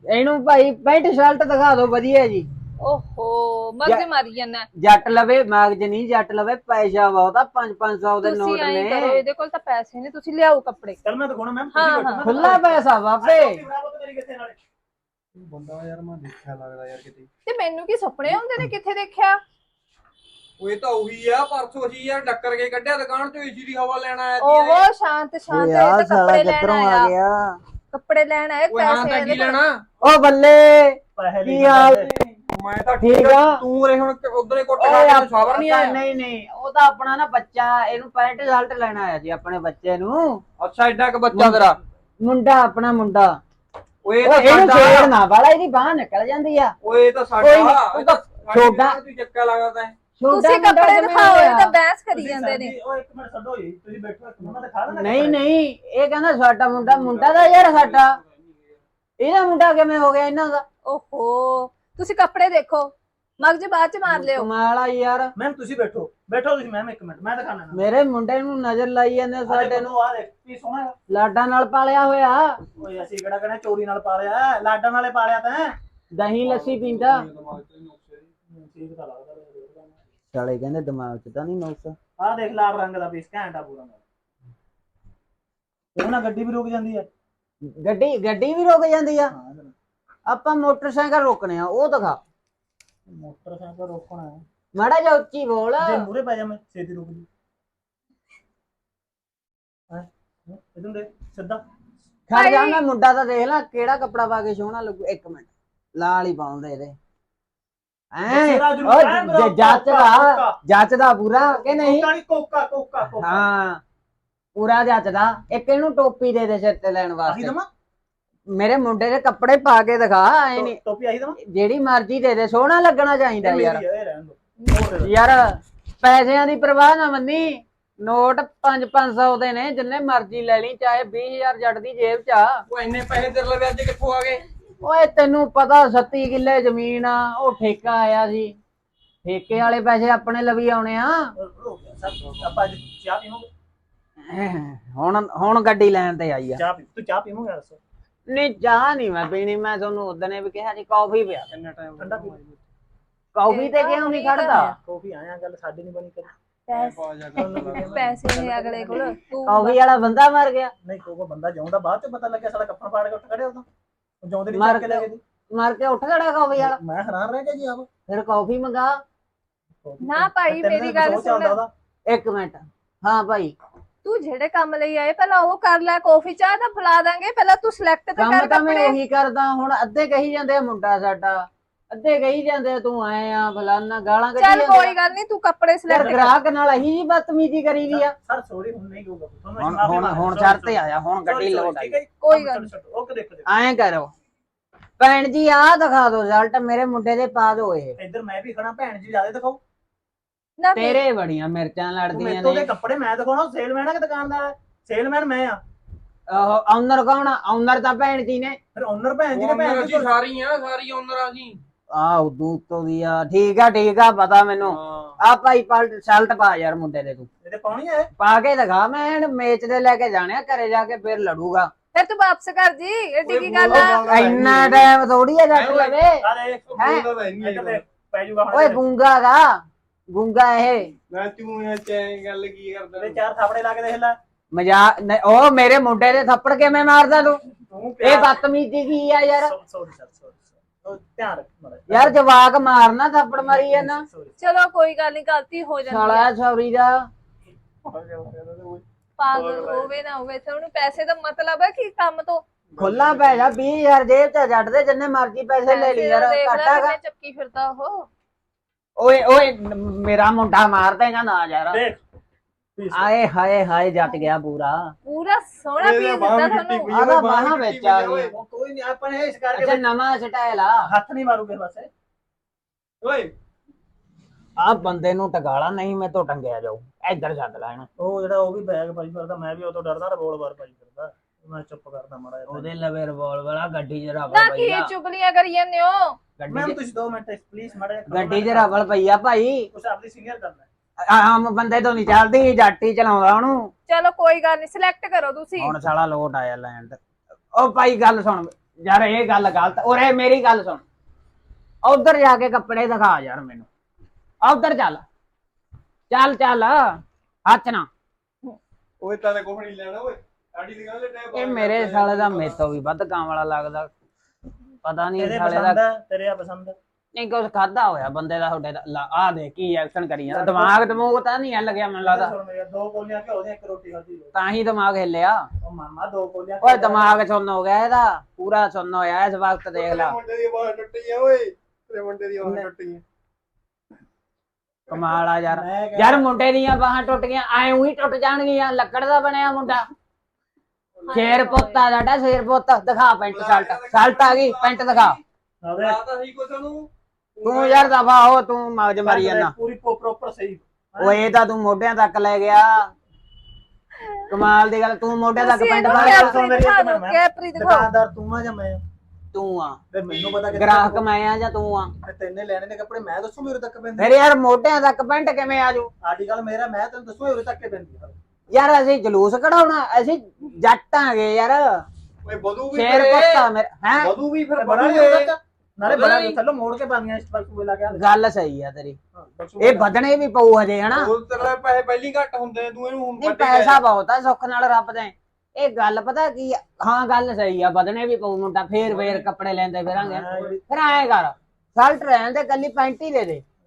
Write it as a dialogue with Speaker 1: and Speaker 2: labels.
Speaker 1: ਇਹਨੂੰ ਭਾਈ pant shirt ਦਿਖਾ ਦਿਓ ਵਧੀਆ ਜੀ।
Speaker 2: ਓਹੋ ਮਗਜ ਮਾਰੀ ਜਾਂਦਾ।
Speaker 1: ਜੱਟ ਲਵੇ ਮਗਜ ਨਹੀਂ, ਜੱਟ ਲਵੇ ਪੈਸਾ ਬਹੁਤਾ 500 ਦੇ
Speaker 2: ਤੁਸੀਂ
Speaker 1: ਨੋਟ
Speaker 2: ਐਂ
Speaker 1: ਨੇ।
Speaker 2: ਕਰੋ, ਇਹਦੇ ਕੋਲ ਤਾਂ ਪੈਸੇ ਨੇ, ਤੁਸੀਂ ਲਿਆਓ ਕੱਪੜੇ।
Speaker 3: ਚਲ ਮੈਂ ਦਿਖਾਉਣਾ ਮੈਮ,
Speaker 2: ਹਾਂ,
Speaker 3: ਤੁਸੀਂ ਬੈਠੋ।
Speaker 2: ਹਾਂ।
Speaker 3: ਮੈਂ
Speaker 1: ਖੁੱਲਾ ਪੈਸਾ ਬਾਬੇ।
Speaker 3: ਮੇਰੀ ਕਿੱਥੇ ਨਾਲੇ ਬੰਦਾ ਯਾਰ ਮੈਂ ਦੇਖਿਆ ਲੱਗਦਾ ਯਾਰ ਕਿਤੇ।
Speaker 2: ਤੇ ਮੈਨੂੰ ਕੀ ਸੁਪਨੇ ਹੁੰਦੇ ਨੇ, ਕਿੱਥੇ ਦੇਖਿਆ?
Speaker 4: ਉਹ ਤਾਂ ਉਹੀ ਆ, ਪਰਸੋਂ ਜੀ ਯਾਰ ਡੱਕਰ ਕੇ ਕੱਢਿਆ ਦੁਕਾਨ ਚੋਂ, ਏਸੀ ਦੀ ਹਵਾ ਲੈਣ ਆਇਆ ਸੀ।
Speaker 2: ਓਹੋ ਸ਼ਾਂਤ ਸ਼ਾਂਤ, ਇਹ ਤਾਂ ਕੱਪੜੇ ਲੈਣ ਆਇਆ।
Speaker 1: ਗਿਆ
Speaker 2: ਕੱਪੜੇ ਲੈਣ ਆਏ,
Speaker 4: ਓਏ ਹਾਂ
Speaker 2: ਪੈਸੇ
Speaker 4: ਤਾਂ
Speaker 2: ਇਹਦੇ
Speaker 4: ਕੀ
Speaker 2: ਕੋਲ।
Speaker 4: ਲੈਣਾ?
Speaker 1: ਓ ਬੱਲੇ
Speaker 3: ਪੈਸੇ
Speaker 1: ਕੀ ਹਾਲ ਨੇ?
Speaker 4: ਮੈਂ ਤਾਂ
Speaker 1: ਠੀਕ ਆ।
Speaker 4: ਤੂੰ ਰੇ ਹੁਣ ਉਧਰੇ ਕੁੱਟ ਖਾ
Speaker 1: ਓਏ
Speaker 4: ਕੇ ਤੈਨੂੰ ਸਬਰ ਨਹੀਂ ਆਇਆ?
Speaker 1: ਨਹੀਂ ਨਹੀਂ, ਉਹ ਤਾਂ ਆਪਣਾ ਨਾ ਬੱਚਾ, ਇਹਨੂੰ ਪੈਂਟ ਸ਼ਰਟ ਲੈਣ ਆਇਆ ਜੀ ਆਪਣੇ ਬੱਚੇ ਨੂੰ।
Speaker 4: ਅੱਛਾ ਐਡਾ ਕ ਬੱਚਾ ਤੇਰਾ?
Speaker 1: ਮੁੰਡਾ ਆਪਣਾ ਮੁੰਡਾ।
Speaker 4: ਓਏ ਇਹ
Speaker 1: ਓਏ
Speaker 4: ਤਾਂ
Speaker 1: ਇਹਨੂੰ
Speaker 4: ਸਾਡਾ।
Speaker 1: ਛੇੜਨਾ ਵਾਲਾ, ਇਹਦੀ ਬਾਹ ਨਿਕਲ ਜਾਂਦੀ ਆ।
Speaker 4: ਓਏ ਇਹ ਤਾਂ
Speaker 1: ਕੋਈ ਨੀ,
Speaker 4: ਸਾਡਾ।
Speaker 1: ਉਹ ਤਾਂ ਛੋਟਾ।
Speaker 4: ਤੂੰ ਚੱਕਾ ਲੱਗਦਾ ਹੈ।
Speaker 2: ਤੁਸੀਂ ਕੱਪੜੇ ਦਿਖਾਓ, ਇਹ ਤਾਂ ਬਹਿਸ ਕਰੀ ਜਾਂਦੇ ਨੇ।
Speaker 3: ਓ ਇੱਕ ਮਿੰਟ ਛੱਡੋ ਜੀ, ਤੁਸੀਂ ਬੈਠੋ, ਮੈਂ ਦਿਖਾ ਦਿੰਦਾ।
Speaker 1: ਨਹੀਂ ਨਹੀਂ, ਇਹ ਕਹਿੰਦਾ ਸਾਡਾ ਮੁੰਡਾ, ਮੁੰਡਾ ਦਾ ਯਾਰ ਸਾਡਾ। ਇਹਦਾ ਮੁੰਡਾ ਕਿਵੇਂ ਹੋ ਗਿਆ ਇਹਨਾਂ ਦਾ?
Speaker 2: ਓਹੋ ਤੁਸੀਂ ਕੱਪੜੇ ਦੇਖੋ, ਮਗਜ ਬਾਅਦ ਚ ਮਾਰ ਲਿਓ।
Speaker 1: ਕਮਾਲ ਆ ਯਾਰ।
Speaker 3: ਮੈਮ ਤੁਸੀਂ ਬੈਠੋ, ਬੈਠੋ ਤੁਸੀਂ ਮੈਮ, ਇੱਕ ਮਿੰਟ ਮੈਂ ਦਿਖਾਣਾ।
Speaker 1: ਮੇਰੇ ਮੁੰਡੇ ਨੂੰ ਨਜ਼ਰ ਲਾਈ ਜਾਂਦੇ ਸਾਡੇ ਨੂੰ।
Speaker 3: ਆ ਦੇਖ ਕੀ ਸੋਹਣਾ।
Speaker 1: ਲਾਡਾਂ ਨਾਲ ਪਾਲਿਆ ਹੋਇਆ।
Speaker 3: ਓਏ ਅਸੀਂ ਕਿਹੜਾ ਕਹਿੰਦੇ ਚੋਰੀ ਨਾਲ ਪਾਲਿਆ, ਲਾਡਾਂ ਨਾਲੇ ਪਾਲਿਆ ਤਾਂ।
Speaker 1: ਦਹੀਂ ਲੱਸੀ ਪੀਂਦਾ।
Speaker 3: ਠੀਕ ਤਾਂ ਲੱਗਦਾ।
Speaker 1: ਸਾਲੇ ਕਹਿੰਦੇ ਦਿਮਾਗ 'ਚ ਤਾਂ ਨਹੀਂ ਨੁਕਸ।
Speaker 3: ਆਹ ਦੇਖ ਲਾਲ ਰੰਗ ਦਾ ਪੀਸ ਘੈਂਟਾ ਪੂਰਾ। ਇਹ ਨਾ ਗੱਡੀ ਵੀ ਰੁਕ ਜਾਂਦੀ ਹੈ।
Speaker 1: ਗੱਡੀ ਵੀ ਰੁਕ ਜਾਂਦੀ ਆ। ਆਪਾਂ ਮੋਟਰਸਾਈਕਲ ਰੋਕਣੇ ਆ, ਉਹ ਦਿਖਾ।
Speaker 3: ਮੋਟਰਸਾਈਕਲ ਰੋਕਣਾ ਹੈ,
Speaker 1: ਮਾੜਾ ਜਿਹਾ ਉੱਚੀ ਬੋਲ।
Speaker 3: ਜੇ ਮੂਰੇ ਪੈ ਜਾ ਮੈਂ ਛੇਤੀ ਰੁਕ ਜੀ। ਇਦੋਂ ਦੇ ਸਿੱਧਾ
Speaker 1: ਖੜ ਜਾ, ਮੈਂ ਮੁੰਡਾ ਤਾਂ ਦੇਖ ਲਾ ਕਿਹੜਾ ਕੱਪੜਾ ਪਾ ਕੇ ਸੋਹਣਾ ਲੱਗੂ। ਇੱਕ ਮਿੰਟ, ਲਾਲ ਹੀ ਪਾਉਂਦੇ ਇਹਦੇ। ਜੱਚਦਾ ਪੂਰਾ ਕਿ ਨਹੀਂ?
Speaker 3: ਕੋਕਾ ਕੋਕਾ ਕੋਕਾ।
Speaker 1: ਹਾਂ ਪੂਰਾ ਜੱਚਦਾ। ਇੱਕ ਇਹਨੂੰ ਟੋਪੀ ਦੇ ਦੇ ਸਿਰ ਤੇ ਲੈਣ ਵਾਸਤੇ। ਮੇਰੇ ਮੁੰਡੇ ਦੇ ਕੱਪੜੇ ਪਾ ਕੇ ਦਿਖਾ। ਐ ਨਹੀਂ
Speaker 3: ਟੋਪੀ ਆਹੀ ਦਵਾਂ,
Speaker 1: ਜਿਹੜੀ ਮਰਜ਼ੀ ਦੇ ਦੇ, ਸੋਹਣਾ ਲੱਗਣਾ ਚਾਹੀਦਾ ਯਾਰ।
Speaker 3: ਯਾਰ
Speaker 1: ਯਾਰ ਪੈਸਿਆਂ ਦੀ ਪਰਵਾਹ ਨਾ ਮੰਨੀ। ਨੋਟ 500 ਦੇ ਨੇ, ਜਿੰਨੇ ਮਰਜ਼ੀ ਲੈ ਲਈ, ਚਾਹੇ 20,000 ਜੱਟ ਦੀ ਜੇਬ 'ਚ ਆ।
Speaker 4: ਉਹ ਇੰਨੇ ਪੈਸੇ ਤੇਰੇ ਲਈ ਅੱਜ ਕਿੱਥੋਂ ਆ ਗਏ?
Speaker 1: ਓਏ ਤੈਨੂੰ ਪਤਾ 37 ਕਿੱਲੇ ਜ਼ਮੀਨ ਆ, ਉਹ ਠੇਕਾ ਆਇਆ ਸੀ। ਠੇਕੇ ਵਾਲੇ ਪੈਸੇ ਆਪਣੇ ਲਵੀ ਆਉਣੇ ਆ।
Speaker 3: ਆਪਾਂ ਚਾਹ ਪੀਵਾਂਗੇ।
Speaker 1: ਹੁਣ ਗੱਡੀ ਲੈਣ ਤੇ ਆਈ ਆ।
Speaker 3: ਚਾਹ ਪੀ, ਤੂੰ ਚਾਹ ਪੀਵਾਂਗੇ ਯਾਰ।
Speaker 1: ਨਹੀਂ ਚਾਹ ਨਹੀਂ ਮੈਂ ਪੀਣੀ। ਮੈਂ ਤੁਹਾਨੂੰ ਉਦੋਂ ਨੇ ਵੀ ਕਿਹਾ ਜੀ ਕਾਫੀ ਪਿਆ।
Speaker 4: ਕਿੰਨਾ ਟਾਈਮ
Speaker 3: ਠੰਡਾ ਪੀ।
Speaker 1: ਕਾਫੀ ਤੇ ਕਿਉਂ ਨਹੀਂ ਖੜਦਾ?
Speaker 3: ਕਾਫੀ ਆਇਆ, ਗੱਲ ਸਾਡੀ ਨਹੀਂ ਬਣੀ ਕਰੀ।
Speaker 2: ਪੈਸੇ ਨੇ ਅਗਲੇ ਕੋਲ।
Speaker 1: ਕਾਫੀ ਵਾਲਾ ਬੰਦਾ ਮਰ ਗਿਆ।
Speaker 3: ਨਹੀਂ ਕੋਈ ਬੰਦਾ ਜਾਉਂਦਾ, ਬਾਅਦ ਚ ਪਤਾ ਲੱਗਿਆ ਸਾਡਾ ਕੱਪੜਾ ਪਾੜ ਕੇ ਉੱਠ ਖੜੇ ਉਦੋਂ। ਜਾਉਂਦੇ ਨਹੀਂ ਚੱਕ ਕੇ ਲੈ ਗਏ।
Speaker 1: ਮਰ ਕੇ ਉੱਠ ਖੜਾ ਕਾਫੀ ਵਾਲਾ।
Speaker 3: ਮੈਂ ਹੈਰਾਨ ਰਹਿ ਗਿਆ ਜੀ ਆਪ।
Speaker 1: ਫਿਰ ਕਾਫੀ ਮੰਗਾ।
Speaker 2: ਨਾ ਭਾਈ ਮੇਰੀ ਗੱਲ ਸੁਣ।
Speaker 1: ਇੱਕ ਮਿੰਟ। ਹਾਂ ਭਾਈ,
Speaker 2: ਤੂੰ ਜਿਹੜੇ ਕੰਮ ਲਈ ਆਏ ਪਹਿਲਾਂ ਉਹ ਕਰ ਲੈ। ਕਾਫੀ ਚਾਹ ਤਾਂ ਪਿਲਾ ਦਾਂਗੇ, ਪਹਿਲਾਂ ਤੂੰ ਸਿਲੈਕਟ ਤਾਂ
Speaker 1: ਕੰਮ
Speaker 2: ਕਰ
Speaker 1: ਤਾਂ ਮੈਂ
Speaker 2: ਕੱਪੜੇ।
Speaker 1: ਉਹੀ ਕਰਦਾ। ਹੁਣ ਅੱਧੇ ਕਹੀ ਜਾਂਦੇ ਆ ਮੁੰਡਾ ਸਾਡਾ, ਅੱਧੇ ਕਹੀ ਜਾਂਦੇ ਆ ਤੂੰ ਆਏ ਆ ਫਲਾਨਾ, ਗਾਲਾਂ ਕੱਢੀ
Speaker 2: ਚੱਲ
Speaker 1: ਜਾਂਦੇ
Speaker 2: ਕੋਈ ਗੱਲ ਨਹੀਂ, ਤੂੰ ਕੱਪੜੇ
Speaker 1: ਯਾਰ।
Speaker 2: ਸਿਲੈਕਟ ਕਰ।
Speaker 1: ਗ੍ਰਾਹਕ ਨਾਲ ਅਹੀ ਜੀ ਬਦਤਮੀਜ਼ੀ ਕਰੀ ਦੀ ਆ।
Speaker 3: ਸਰ ਸੌਰੀ, ਹੁਣ ਨਹੀਂ ਕਹੂਗਾ।
Speaker 1: ਹੁਣ ਸ਼ਰਤ ਤੇ ਆਇਆ, ਹੁਣ ਗੱਡੀ ਲੋਡ ਆਈ।
Speaker 2: ਕੋਈ ਗੱਲ ਨੀ।
Speaker 3: ਓਕੇ ਦੇਖੋ
Speaker 1: ਐਂ ਕਰੋ ਭੈਣ ਜੀ, ਆਹ ਦਿਖਾ ਦੋ ਰਿਜ਼ਲਟ ਮੇਰੇ ਮੁੰਡੇ ਦੇ ਪਾ ਦੋ। ਇਹ
Speaker 3: ਇੱਧਰ ਮੈਂ ਵੀ ਖੜਾ, ਭੈਣ ਜੀ ਜਿਆਦਾ ਦਿਖਾਓ।
Speaker 2: ਨਾ
Speaker 1: ਤੇਰੇ ਬੜੀਆਂ ਮਿਰਚਾਂ ਲੜਦੀਆਂ
Speaker 3: ਮੇਰੇ ਤੋਂ
Speaker 1: ਨੇ।
Speaker 3: ਦੇ ਕੱਪੜੇ ਮੈਂ ਦਿਖਾਉਣਾ, ਸੇਲਮੈਨ ਆ ਕਿ ਦੁਕਾਨਦਾਰ? ਸੇਲਮੈਨ ਮੈਂ ਆ।
Speaker 1: ਉਹ ਓਨਰ ਕੌਣ ਆ? ਓਨਰ ਤਾਂ ਭੈਣ ਜੀ ਨੇ।
Speaker 3: ਫਿਰ ਓਨਰ ਭੈਣ ਜੀ ਨੇ।
Speaker 4: ਓਨਰ
Speaker 3: ਭੈਣ
Speaker 4: ਅਸੀਂ ਸਾਰੀ ਆ, ਸਾਰੀ ਓਨਰ ਆ ਜੀ।
Speaker 1: ਆਹ ਉਦੋਂ ਉੱਤੋਂ ਦੀ ਆ। ਠੀਕ ਆ ਪਤਾ ਮੈਨੂੰ। ਆ ਭਾਈ ਸ਼ਰਟ ਪਾ ਯਾਰ ਮੁੰਡੇ ਦੇ। ਤੂੰ
Speaker 3: ਇਹਦੇ ਪਾਉਣੀ ਹੈ।
Speaker 1: ਪਾ ਕੇ ਦਿਖਾ। ਮੈਂ ਮੇਚ ਦੇ ਲੈ ਕੇ ਜਾਣੇ ਆ ਘਰੇ, ਜਾ ਕੇ ਫਿਰ ਲੜੂਗਾ।
Speaker 2: ਫਿਰ ਤੂੰ ਵਾਪਸ ਕਰ ਜੀ, ਏਡੀ ਕੀ ਗੱਲ ਆ?
Speaker 1: ਇੰਨਾ ਟਾਈਮ ਥੋੜੀ ਆ ਜੱਟ ਲਵੇ।
Speaker 3: ਆ ਦੇਖ ਇੱਧਰ ਦੇਖ, ਪੈ ਜੂਗਾ ਹੁਣ।
Speaker 1: ਓਏ ਗੂੰਗਾ ਗਾ, ਗੂੰਗਾ ਇਹ।
Speaker 4: ਮੈਂ ਤੂੰ ਚੈਂ ਗੱਲ ਕੀ ਕਰਦਾ?
Speaker 3: ਤੇ ਚਾਰ ਥਾਪੜੇ ਲਾ ਕੇ ਦੇਖ ਲੈ।
Speaker 1: ਮਜ਼ਾਕ ਉਹ ਮੇਰੇ ਮੁੰਡੇ ਦੇ ਥੱਪੜ ਕਿਵੇਂ ਮਾਰਦਾ ਤੂੰ?
Speaker 3: ਤੂੰ
Speaker 1: ਇਹ ਬਦਤਮੀਜ਼ੀ ਕੀ ਆ ਯਾਰ?
Speaker 3: ਸੌਰੀ ਸਰ, ਸੌਰੀ ਧਿਆਨ ਰੱਖ ਮਾੜਾ।
Speaker 1: ਯਾਰ ਜਵਾਕ ਮਾਰਨਾ, ਥੱਪੜ ਮਾਰੀ ਜਾਂਦਾ।
Speaker 2: ਚਲੋ ਕੋਈ ਗੱਲ ਨਹੀਂ, ਗਲਤੀ ਹੋ ਜਾਂਦੀ
Speaker 1: ਸਾਲਾ
Speaker 2: ਹੈ।
Speaker 1: ਸੌਰੀ ਦਾ।
Speaker 2: ਪਾਗਲ ਹੋਵੇ ਨਾ ਹੋਵੇ, ਤੇ ਉਹਨੂੰ ਪੈਸੇ ਦਾ ਮਤਲਬ ਹੈ ਕਿ ਕੰਮ ਤੋਂ
Speaker 1: ਖੁੱਲਾ ਪੈ ਜਾ। 20,000 ਜੇਬ ਚ ਜੱਟ ਦੇ, ਜਿੰਨੇ ਮਰਜ਼ੀ ਪੈਸੇ ਲੈ ਲਈ ਯਾਰ। ਘਾਟਾ ਗਾ।
Speaker 2: ਚੱਕੀ ਫਿਰਦਾ ਉਹ।
Speaker 1: ਓਏ ਮੇਰਾ ਮੁੰਡਾ ਮਾਰ ਦੇਗਾ ਨਾ ਯਾਰ।
Speaker 3: ਦੇਖ
Speaker 1: ਆਏ ਹਾਏ ਹਾਏ, ਜੱਟ ਗਿਆ ਪੂਰਾ
Speaker 2: ਸੋਹਣਾ ਪੀਸ ਦਿੱਤਾ ਤੁਹਾਨੂੰ।
Speaker 1: ਆਦਾ ਬਾਹਾਂ ਵਿੱਚ ਆ ਗਈ।
Speaker 3: ਕੋਈ ਨਹੀਂ, ਆਪਾਂ ਨੇ ਇਸ ਕਰਕੇ
Speaker 1: ਅੱਛਾ ਨਵਾਂ ਸਟਾਈਲ ਆ।
Speaker 3: ਹੱਥ ਨਹੀਂ ਮਾਰੂਗੇ ਬਸ।
Speaker 4: ਓਏ
Speaker 1: ਆ ਬੰਦੇ ਨੂੰ ਟਗਾਲਾ ਨਹੀਂ, ਮੈਂ ਤੋਂ ਟੰਗਿਆ ਜਾਊ। ਇੱਧਰ ਛੱਡ ਲੈ ਇਹਨੂੰ।
Speaker 3: ਉਹ ਜਿਹੜਾ ਉਹ ਵੀ ਬੈਗ ਪਾਈ ਫਿਰਦਾ, ਮੈਂ ਵੀ ਉਹ ਤੋਂ ਡਰਦਾ। ਰਿਵੋਲਵਰ ਪਾਈ ਫਿਰਦਾ, ਮੈਂ ਚੁੱਪ ਕਰਦਾ ਮਾੜਾ ਜਿਹਾ।
Speaker 1: ਉਹਦੇ ਲਵੇ ਰਿਵਾਲਵਰ ਆ। ਗੱਡੀ 'ਚ ਰਵਲ
Speaker 2: ਨਾ
Speaker 1: ਪਈ
Speaker 2: ਕੀ
Speaker 1: ਆ।
Speaker 2: ਚੁਗਲੀਆਂ ਕਰੀ ਜਾਂਦੇ ਹੋ?
Speaker 3: ਮੈਮ ਤੁਸੀਂ 2 ਮਿੰਟ ਪਲੀਜ਼ ਮਾੜਾ ਜਿਹਾ।
Speaker 1: ਗੱਡੀ 'ਚ ਰਵਲ ਪਈ ਆ ਭਾਈ।
Speaker 3: ਕੁਛ ਆਪਣੀ ਸੀਨੀਅਰ ਕਰਨਾ।
Speaker 1: ਆਮ ਬੰਦੇ ਤੋਂ ਨਹੀਂ ਚੱਲਦੀ, ਜੱਟ ਹੀ ਚਲਾਉਂਦਾ ਉਹਨੂੰ।
Speaker 2: ਚਲੋ ਕੋਈ ਗੱਲ ਨਹੀਂ, ਸਿਲੈਕਟ ਕਰੋ ਤੁਸੀਂ।
Speaker 1: ਹੁਣ ਸਾਲਾ ਲੋਟ ਆਇਆ ਲੈਣ ਤੇ। ਉਹ ਭਾਈ ਗੱਲ ਸੁਣ, ਯਾਰ ਇਹ ਗੱਲ ਗਲਤ। ਉਰੇ ਮੇਰੀ ਗੱਲ ਸੁਣ, ਉਧਰ ਜਾ ਕੇ ਕੱਪੜੇ ਦਿਖਾ ਯਾਰ ਮੈਨੂੰ। ਉਧਰ ਚੱਲ ਚੱਲ ਚੱਲ, ਹੱਥ ਨਾ।
Speaker 4: ਓਏ ਤਾਂ ਕੁਝ ਨਹੀਂ ਲੈਣਾ ਓਏ, ਸਾਡੀ ਦੁਕਾਨ ਤੇ ਟਾਈਮ
Speaker 1: ਇਹ ਮੇਰੇ ਸਾਲੇ ਦਾ ਮੇਰੇ ਤੋਂ ਵੀ ਵੱਧ ਕੰਮ ਵਾਲਾ ਲੱਗਦਾ। ਪਤਾ ਨਹੀਂ
Speaker 3: ਤੇਰੇ
Speaker 1: ਸਾਲੇ
Speaker 3: ਪਸੰਦ
Speaker 1: ਦਾ
Speaker 3: ਹੈ, ਤੇਰੇ ਆ ਪਸੰਦ ਹੈ।
Speaker 1: ਨਹੀਂ ਕੁਝ ਖਾਦਾ ਹੋਇਆ ਬੰਦੇ ਦਾ ਤੁਹਾਡੇ ਦਾ। ਆ ਦੇ ਕੀ ਐਕਸ਼ਨ ਕਰੀ ਜਾਂਦਾ, ਦਿਮਾਗ ਦਮੂਗ ਤਾਂ ਨਹੀਂ ਹਿੱਲ ਗਿਆ ਮੈਨੂੰ ਲੱਗਦਾ।
Speaker 3: ਸੁਣ ਮੇਰਾ 2 ਕੋਲੀਆਂ ਘਿਓ ਦੀਆਂ 1 ਰੋਟੀ ਖਾਧੀ।
Speaker 1: ਤਾਂ ਹੀ ਦਿਮਾਗ ਹਿੱਲਿਆ।
Speaker 3: ਉਹ ਮਾਮਾ 2 ਕੋਲੀਆਂ
Speaker 1: ਓਏ ਦਿਮਾਗ ਸੁੰਨ ਹੋ ਗਿਆ ਇਹਦਾ, ਪੂਰਾ ਸੁੰਨ ਹੋਇਆ ਇਸ ਵਕਤ। ਦੇਖ ਲਾ
Speaker 4: ਮੁੰਡੇ ਦੀ ਬਾਹ ਟੁੱਟੀ ਆ ਓਏ, ਤੇਰੇ ਮੁੰਡੇ ਦੀ ਬਾਹ ਟੁੱਟੀ ਆ।
Speaker 1: ਕਮਾਲ ਆ ਯਾਰ।
Speaker 3: ਮੈਂ ਕਿਹਾ-
Speaker 1: ਯਾਰ ਮੁੰਡੇ ਦੀਆਂ ਬਾਹਾਂ ਟੁੱਟ ਗਈਆਂ, ਐ ਉਹੀ ਟੁੱਟ ਜਾਣਗੀਆਂ। ਲੱਕੜ ਦਾ ਬਣਿਆ ਮੁੰਡਾ। ਸ਼ੇਰ ਪੁੱਤ ਆ ਸਾਡਾ, ਸ਼ੇਰ ਪੁੱਤ। ਦਿਖਾ ਪੈਂਟ ਸ਼ਰਟ, ਸ਼ਰਟ ਆ ਗਈ, ਪੈਂਟ ਦਿਖਾ।
Speaker 3: ਆਵੇ
Speaker 4: ਤਾਂ ਸਹੀ ਕੁਛ ਉਹਨੂੰ
Speaker 1: ਤੂੰ ਯਾਰ ਦਫਾ ਹੋ, ਤੂੰ ਮਗਜ ਮਾਰੀ ਜਾਂਦਾ।
Speaker 3: ਪੂਰੀ ਪ੍ਰੋਪਰ ਸਹੀ।
Speaker 1: ਓਏ ਇਹ ਤਾਂ ਤੂੰ ਮੋਢਿਆਂ ਤੱਕ ਲੈ ਗਿਆ। ਕਮਾਲ ਦੀ ਗੱਲ, ਤੂੰ ਮੋਢਿਆਂ ਤੱਕ
Speaker 2: ਤੁਸੀਂ
Speaker 1: ਪੈਂਟ
Speaker 2: ਇਹਨੂੰ
Speaker 1: ਪਾ
Speaker 3: ਕੇ
Speaker 1: ਕੇ।
Speaker 3: ਸੁਣ ਮੇਰੀ
Speaker 2: ਦਿਖਾ
Speaker 3: ਇੱਕ
Speaker 2: ਦਿਓ,
Speaker 3: ਮਿੰਟ।
Speaker 2: ਕੈਪਰੀ ਦਿਖਾਓ।
Speaker 3: ਦੁਕਾਨਦਾਰ ਤੂੰ ਆ ਜਾਂ ਮੈਂ?
Speaker 1: ਤੂੰ ਆ
Speaker 3: ਤੇ ਮੈਨੂੰ ਪਤਾ ਕਿ
Speaker 1: ਗ੍ਰਾਹਕ ਮੈਂ ਆ ਜਾਂ ਤੂੰ ਆ?
Speaker 3: ਤੈਨੇ ਲੈਣੇ ਨੇ ਕੱਪੜੇ, ਮੈਂ ਦੱਸੂ ਮੇਰੇ ਤੱਕ ਪੈਂਦੇ।
Speaker 1: ਫਿਰ ਯਾਰ ਮੋਢਿਆਂ ਤੱਕ ਪੈਂਟ ਕਿਵੇਂ ਆਜੂ?
Speaker 3: ਆਡੀ ਗੱਲ ਮੇਰਾ, ਮੈਂ ਤੈਨੂੰ ਦੱਸੂ ਮੇਰੇ ਤੱਕ ਪੈਂਦੀ ਆ।
Speaker 1: ਯਾਰ ਅਸੀਂ ਜਲੂਸ ਕਢਾਉਣਾ, ਅਸੀਂ ਜੱਟ ਆਂਗੇ ਯਾਰ।
Speaker 4: ਓਏ ਬਦੂ ਵੀ
Speaker 1: ਸ਼ੇਰ ਪੁੱਤ ਆ ਮੇਰੇ ਹੈ।
Speaker 4: ਬਦੂ ਵੀ ਫਿਰ
Speaker 3: ਬੜਾ
Speaker 4: ਬਦੂ
Speaker 3: ਨਹੀਂ
Speaker 4: ਏ।
Speaker 3: ਤੱਕ ਨਾਲੇ ਬੜਾ ਨਹੀਂ ਥੱਲੋਂ ਮੋੜ ਕੇ ਪਾਣੀਆਂ ਇਸ ਵਕਤ ਵੇਲਾ ਗਿਆ।
Speaker 1: ਗੱਲ ਸਹੀ ਆ ਤੇਰੀ। ਇਹ ਵਧਣੇ ਵੀ ਪਊ ਹਜੇ ਹਨਾ।
Speaker 4: ਉਹ ਤੇਰੇ ਪੈਸੇ ਪਹਿਲੀ ਘੱਟ ਹੁੰਦੇ ਨੇ, ਤੂੰ ਇਹਨੂੰ ਹੁਣ
Speaker 1: ਨਹੀਂ
Speaker 4: ਵੱਡੇ
Speaker 1: ਪੈਸਾ ਬਹੁਤ ਆ, ਸੁੱਖ ਨਾਲ ਰੱਬ ਦੇ। ਇਹ ਗੱਲ ਪਤਾ ਕੀ ਆ? ਹਾਂ ਗੱਲ ਸਹੀ ਆ, ਵਧਣੇ ਵੀ ਪਊ ਮੁੰਡਾ। ਫੇਰ ਕੱਪੜੇ ਲੈਂਦੇ ਫਿਰਾਂਗੇ। ਫਿਰ ਐਂ ਕਰ, ਸ਼ਰਟ ਰਹਿਣ ਦੇ, ਕੱਲੀ ਪੈਂਟ ਹੀ ਦੇ ਦੇ।